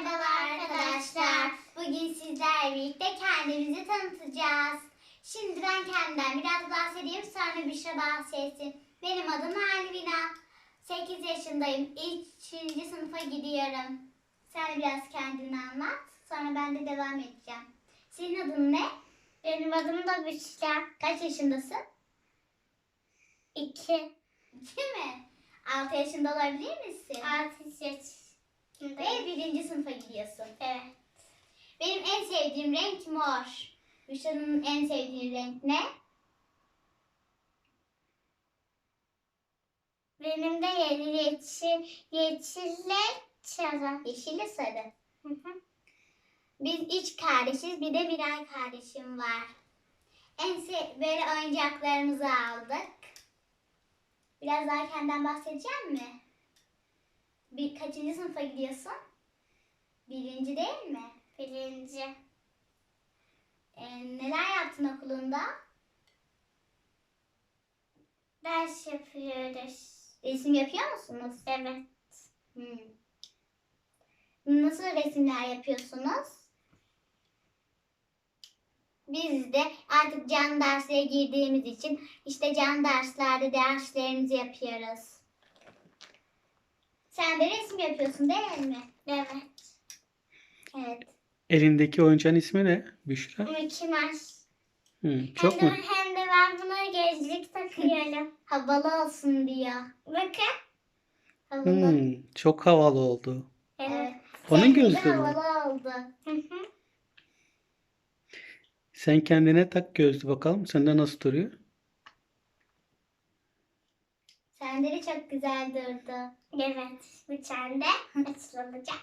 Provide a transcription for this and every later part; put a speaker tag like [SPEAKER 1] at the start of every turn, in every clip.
[SPEAKER 1] Merhabalar arkadaşlar. Bugün sizlerle birlikte kendimizi tanıtacağız. Şimdi ben kendimden biraz bahsedeyim, sonra Büşra bahsetsin. Benim adım Alvina. 8 yaşındayım. 3. sınıfa gidiyorum. Sen biraz kendini anlat. Sonra ben de devam edeceğim. Senin adın ne?
[SPEAKER 2] Benim adım da Büşra.
[SPEAKER 1] Kaç yaşındasın?
[SPEAKER 2] 2.
[SPEAKER 1] 2 mi? 6 yaşında olabilir misin?
[SPEAKER 2] 6 yaşındayım.
[SPEAKER 1] Ve 1. sınıfa gidiyorsun.
[SPEAKER 2] Evet.
[SPEAKER 1] Benim en sevdiğim renk mor. Büşra'nın en sevdiği renk ne?
[SPEAKER 2] Benim de yeşille sarı.
[SPEAKER 1] Yeşille sarı.
[SPEAKER 2] Hı hı.
[SPEAKER 1] Biz 3 kardeşiz. Bir de birer kardeşim var. Böyle oyuncaklarımızı aldık. Biraz daha kendinden bahsedeceğim mi? Kaçıncı sınıfa gidiyorsun? 1. değil mi?
[SPEAKER 2] 1.
[SPEAKER 1] Neler yaptın okulunda?
[SPEAKER 2] Ders yapıyoruz.
[SPEAKER 1] Resim yapıyor musunuz?
[SPEAKER 2] Evet.
[SPEAKER 1] Nasıl resimler yapıyorsunuz? Biz de artık can derslere girdiğimiz için işte can derslerde derslerimizi yapıyoruz. Sen de resim yapıyorsun değil mi?
[SPEAKER 2] Evet.
[SPEAKER 1] Evet.
[SPEAKER 3] Elindeki oyuncağın ismi ne Büşra?
[SPEAKER 2] Mickey Mouse.
[SPEAKER 3] Çok mu?
[SPEAKER 2] Hem de ben buna gözlük takıyorum.
[SPEAKER 1] Havalı olsun diyor.
[SPEAKER 2] Bakın.
[SPEAKER 1] Havalı.
[SPEAKER 3] Çok havalı oldu.
[SPEAKER 1] Evet.
[SPEAKER 3] Onun
[SPEAKER 1] Seninki de
[SPEAKER 3] gözlüğü mü?
[SPEAKER 1] havalı oldu.
[SPEAKER 2] Hı hı.
[SPEAKER 3] Sen kendine tak gözlü bakalım. Sende nasıl duruyor?
[SPEAKER 1] Sende de çok güzel durdu.
[SPEAKER 2] Evet. Bir tane de açılacak.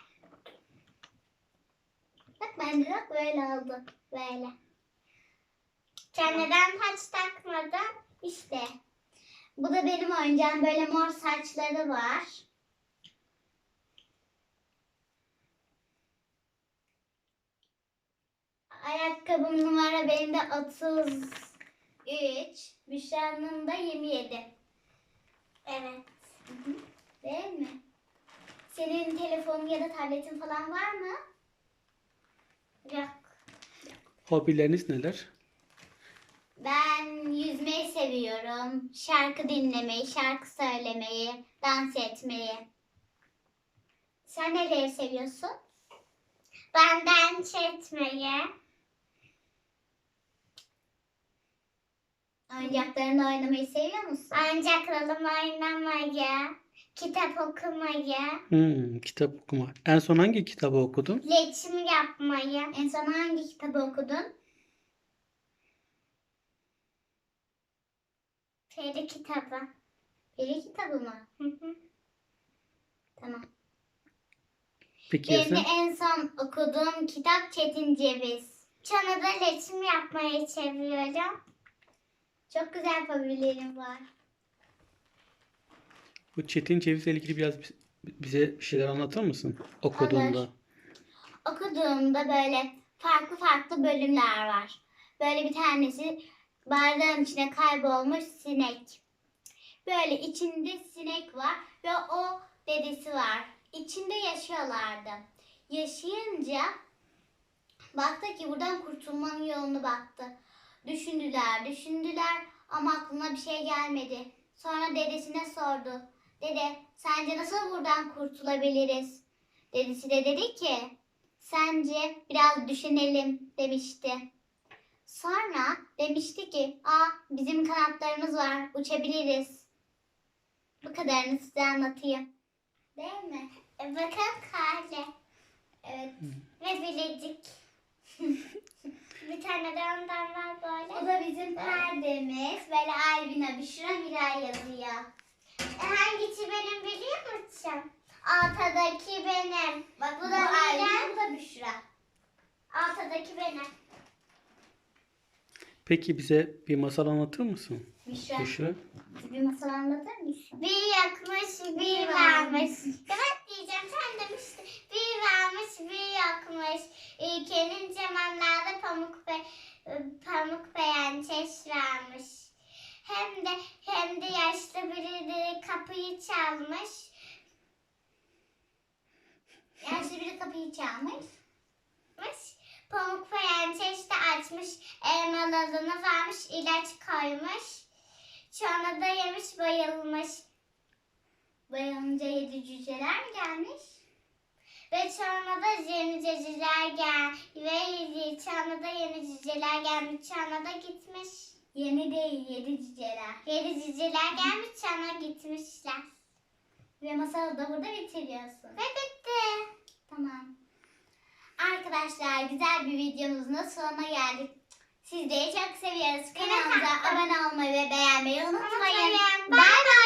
[SPEAKER 1] Bak bende de böyle oldu. Böyle.
[SPEAKER 2] Sen neden taç takmadın?
[SPEAKER 1] İşte. Bu da benim oyuncağım. Böyle mor saçları var. Ayakkabım numara benim de 33. Büşra'nın da 27.
[SPEAKER 2] Evet.
[SPEAKER 1] Değil mi? Senin telefonun ya da tabletin falan var mı?
[SPEAKER 2] Yok.
[SPEAKER 3] Hobileriniz neler?
[SPEAKER 1] Ben yüzmeyi seviyorum. Şarkı dinlemeyi, şarkı söylemeyi, dans etmeyi. Sen neleri seviyorsun?
[SPEAKER 2] Ben dans etmeyi.
[SPEAKER 1] Oyuncaklarınla oynamayı seviyor musun?
[SPEAKER 2] Oyuncaklarımla oynamayı, kitap okumayı,
[SPEAKER 3] Kitap okuma. En son hangi kitabı okudun?
[SPEAKER 2] resim yapmayı,
[SPEAKER 1] En son hangi kitabı okudun?
[SPEAKER 2] peri kitabı.
[SPEAKER 1] Peri kitabı mı?
[SPEAKER 2] Hı hı.
[SPEAKER 1] Tamam.
[SPEAKER 3] Peki ya
[SPEAKER 1] Benim de
[SPEAKER 3] sen?
[SPEAKER 1] en son okuduğum kitap Çetin Ceviz.
[SPEAKER 2] Sonra da resim yapmayı seviyorum.
[SPEAKER 1] Çok güzel hobilerim var.
[SPEAKER 3] Bu Çetin Ceviz'le ilgili biraz bize bir şeyler anlatır mısın? Okuduğunda.
[SPEAKER 1] Olur. Okuduğumda böyle farklı farklı bölümler var. Böyle bir tanesi bardağın içine kaybolmuş sinek. Böyle içinde sinek var ve o dedesi var. İçinde yaşıyorlardı. Yaşayınca baktı ki buradan kurtulmanın yolunu baktı. Düşündüler ama aklına bir şey gelmedi. Sonra dedesine sordu. Dede, sence nasıl buradan kurtulabiliriz? Dedesi de dedi ki, sence biraz düşünelim demişti. Sonra demişti ki, bizim kanatlarımız var, uçabiliriz. Bu kadarını size anlatayım. Değil mi?
[SPEAKER 2] Bakın kare
[SPEAKER 1] Evet.
[SPEAKER 2] ve bilecik. Bir tane de ondan var böyle.
[SPEAKER 1] Bu da bizim perdemiz. Böyle Alvina, Büşra, Miray yazıyor.
[SPEAKER 2] Hangisi benim biliyor musun? Ortadaki benim.
[SPEAKER 1] Bak bu
[SPEAKER 2] Bu
[SPEAKER 1] da Alvina,
[SPEAKER 2] Miray.
[SPEAKER 1] bu da Büşra.
[SPEAKER 2] Ortadaki benim.
[SPEAKER 3] Peki bize bir masal anlatır mısın
[SPEAKER 1] Büşra,
[SPEAKER 3] Büşra?
[SPEAKER 1] bir masal anlatır mısın?
[SPEAKER 2] Bir yakmış, bir varmış. Evet diyeceğim, sen demiştin. Bir varmış, bir yakmış. Ülkenin zamanlarda pamuk beğençeş varmış. Hem de yaşlı biri de kapıyı çalmış.
[SPEAKER 1] Yaşlı biri kapıyı kapıyı çalmış.
[SPEAKER 2] Pamuk Prenses de açmış, elmalarını vermiş, ilaç koymuş. Sonra da yemiş, bayılmış.
[SPEAKER 1] Bayılınca 7 cüceler mi gelmiş?
[SPEAKER 2] Ve sonra da yeni cüceler gelmiş, sonra da gitmiş.
[SPEAKER 1] Yeni değil, 7 cüceler.
[SPEAKER 2] 7 cüceler gelmiş, sonra gitmişler.
[SPEAKER 1] Ve masalı da burada bitiriyorsun.
[SPEAKER 2] Ve bitti.
[SPEAKER 1] Tamam. Arkadaşlar güzel bir videomuzun da sonuna geldik. Sizleri çok seviyoruz. Kanalımıza abone olmayı ve beğenmeyi unutmayın.
[SPEAKER 2] Unutmayın.
[SPEAKER 1] Bay bay.